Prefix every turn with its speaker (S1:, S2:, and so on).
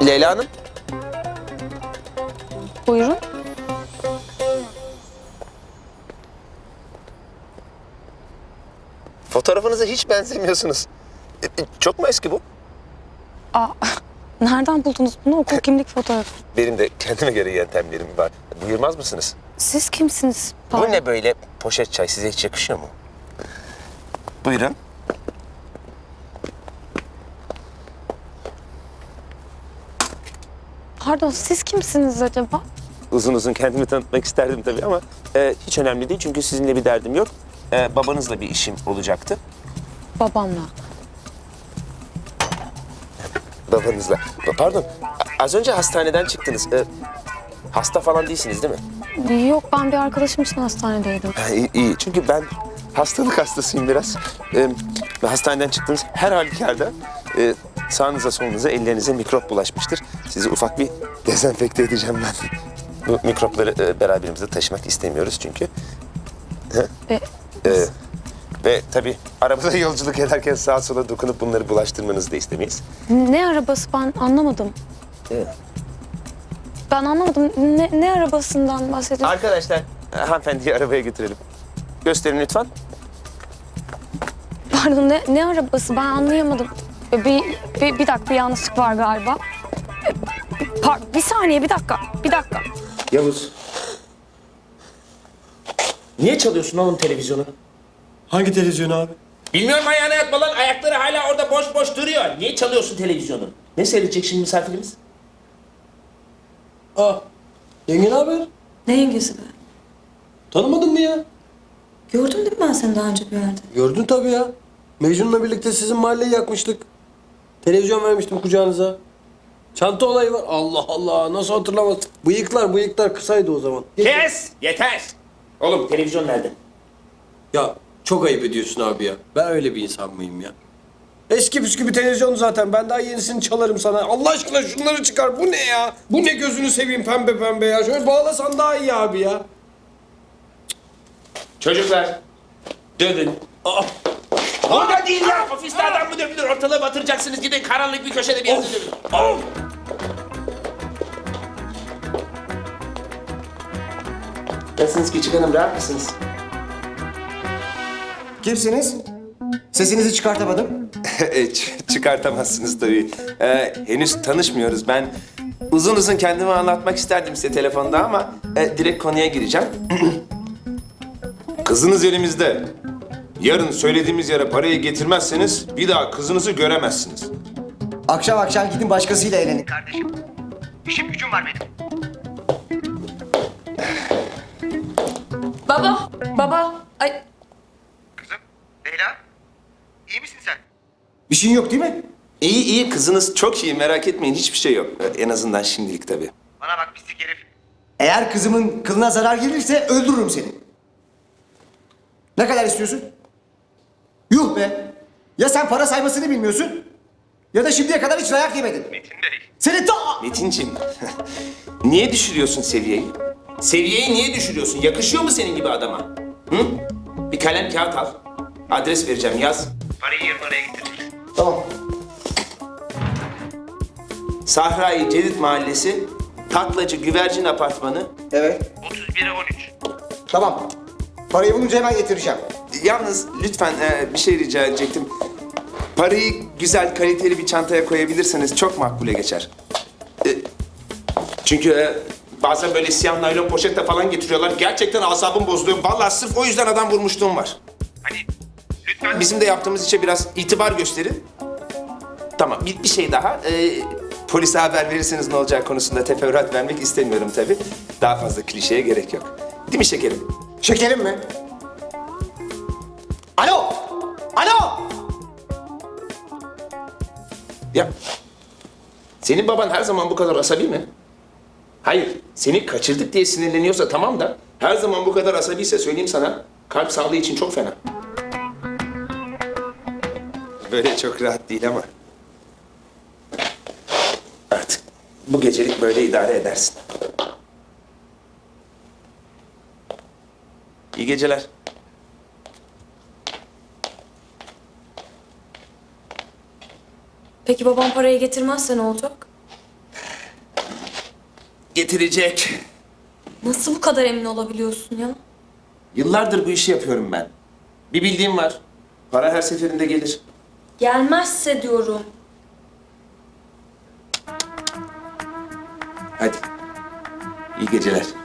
S1: Leyla Hanım.
S2: Buyurun.
S1: Fotoğrafınıza hiç benzemiyorsunuz. Çok mu eski bu?
S2: Aa, nereden buldunuz bunu? Okul kimlik fotoğrafı.
S1: Benim de kendime göre yöntemlerim var. Buyurmaz mısınız?
S2: Siz kimsiniz?
S1: Bu ne böyle poşet çay? Size hiç yakışıyor mu? Buyurun.
S2: Pardon, siz kimsiniz acaba?
S1: Uzun uzun kendimi tanıtmak isterdim tabii ama hiç önemli değil. Çünkü sizinle bir derdim yok. Babanızla bir işim olacaktı.
S2: Babamla.
S1: Babanızla. Pardon, az önce hastaneden çıktınız. Hasta falan değilsiniz değil mi?
S2: Yok, ben bir arkadaşım için hastanedeydim.
S1: İyi. Çünkü ben hastalık hastasıyım biraz. Hastaneden çıktınız her halükarda sağınıza solunuza ellerinize mikrop bulaşmıştır. Sizi ufak bir dezenfekte edeceğim ben. Bu mikropları beraberimizde taşımak istemiyoruz çünkü.
S2: Ve
S1: Ve tabii arabada yolculuk ederken sağa sola dokunup bunları bulaştırmanızı da istemeyiz.
S2: ne arabası, ben anlamadım. Ben anlamadım. Ne arabasından bahsediyorsun?
S1: Arkadaşlar, hanımefendiyi arabaya götürelim. Gösterin lütfen.
S2: Pardon, ne arabası, ben anlayamadım. Bir dakika, bir yanlışlık var galiba. Bir saniye, bir dakika.
S1: Yavuz. Niye çalıyorsun oğlum televizyonu?
S3: Hangi televizyon abi?
S4: Bilmiyorum, ayağına yatma lan. Ayakları hala orada boş boş duruyor. Niye çalıyorsun televizyonu? Ne seyredecek şimdi misafirimiz?
S3: Yenge ne haber?
S5: Ne yengesi be?
S3: Tanımadın mı ya?
S5: Gördüm değil mi ben seni daha önce bir yerde?
S3: Gördün tabii ya. Mecnun'la birlikte sizin mahalleyi yakmıştık. Televizyon vermiştim kucağınıza. Çanta olayı var. Allah Allah, nasıl hatırlamaz? Bıyıklar kısaydı o zaman.
S4: Kes! Yeter! Oğlum televizyon nerede?
S3: Ya çok ayıp ediyorsun abi ya. Ben öyle bir insan mıyım ya? Eski püskü bir televizyon zaten. Ben daha yenisini çalarım sana. Allah aşkına şunları çıkar. Bu ne ya? Bu ne, gözünü seveyim pembe pembe ya. Şöyle bağlasan daha iyi abi ya.
S4: Çocuklar, dövün. Burada değil ya! Ofiste adam mı dövülür? Ortalığı batıracaksınız. Gidin karanlık bir köşede bir yerde dövün.
S1: Nasılsınız küçük hanım, rahat mısınız?
S6: Kimsiniz? Sesinizi çıkartamadım.
S1: Çıkartamazsınız tabii. Henüz tanışmıyoruz. Ben uzun uzun kendimi anlatmak isterdim size telefonda ama direkt konuya gireceğim. Kızınız elimizde. Yarın söylediğimiz yere parayı getirmezseniz bir daha kızınızı göremezsiniz.
S6: Akşam akşam gidin başkasıyla eğlenin kardeşim. İşim gücüm var benim.
S5: Baba. Ay,
S6: Kızım, Leyla. İyi misin sen? Bir şeyin yok değil mi?
S1: İyi, kızınız çok iyi, merak etmeyin, hiçbir şey yok. En azından şimdilik tabii.
S6: Bana bak pislik herif. Eğer kızımın kılına zarar gelirse öldürürüm seni. Ne kadar istiyorsun? Yuh be! Ya sen para saymasını bilmiyorsun ya da şimdiye kadar hiç dayak yemedin. Metin Bey. Seni ta...
S1: Metinciğim, niye düşürüyorsun seviyeyi? Seviyeyi niye düşürüyorsun? Yakışıyor mu senin gibi adama? Hı? Bir kalem kağıt al. Adres vereceğim, yaz.
S6: Parayı yarın oraya getireceksin. Tamam.
S1: Sahra-i Cedid Mahallesi, Taklacı Güvercin Apartmanı.
S6: Evet.
S4: 31'e 13.
S6: Tamam. Parayı bulunca hemen getireceğim.
S1: Yalnız lütfen bir şey rica edecektim. Parayı güzel, kaliteli bir çantaya koyabilirseniz çok makbule geçer. Çünkü bazen böyle siyah naylon poşette falan getiriyorlar. Gerçekten asabım bozuluyor. Vallahi sırf o yüzden adam vurmuşluğum var. Hani lütfen bizim de yaptığımız işe biraz itibar gösterin. Tamam, bir şey daha. Polise haber verirseniz ne olacağı konusunda teferruat vermek istemiyorum tabii. Daha fazla klişeye gerek yok. Değil mi şekerim?
S6: Şekerim mi? Alo! Alo!
S1: Ya, senin baban her zaman bu kadar asabi mi? Hayır, seni kaçırdık diye sinirleniyorsa tamam da... ...her zaman bu kadar asabiyse söyleyeyim sana... ...kalp sağlığı için çok fena. Böyle çok rahat değil ama... ...artık bu gecelik böyle idare edersin. İyi geceler.
S5: peki babam parayı getirmezse ne olacak?
S1: getirecek.
S5: Nasıl bu kadar emin olabiliyorsun ya?
S1: Yıllardır bu işi yapıyorum ben. Bir bildiğim var. Para her seferinde gelir.
S5: Gelmezse diyorum.
S1: Hadi. İyi geceler.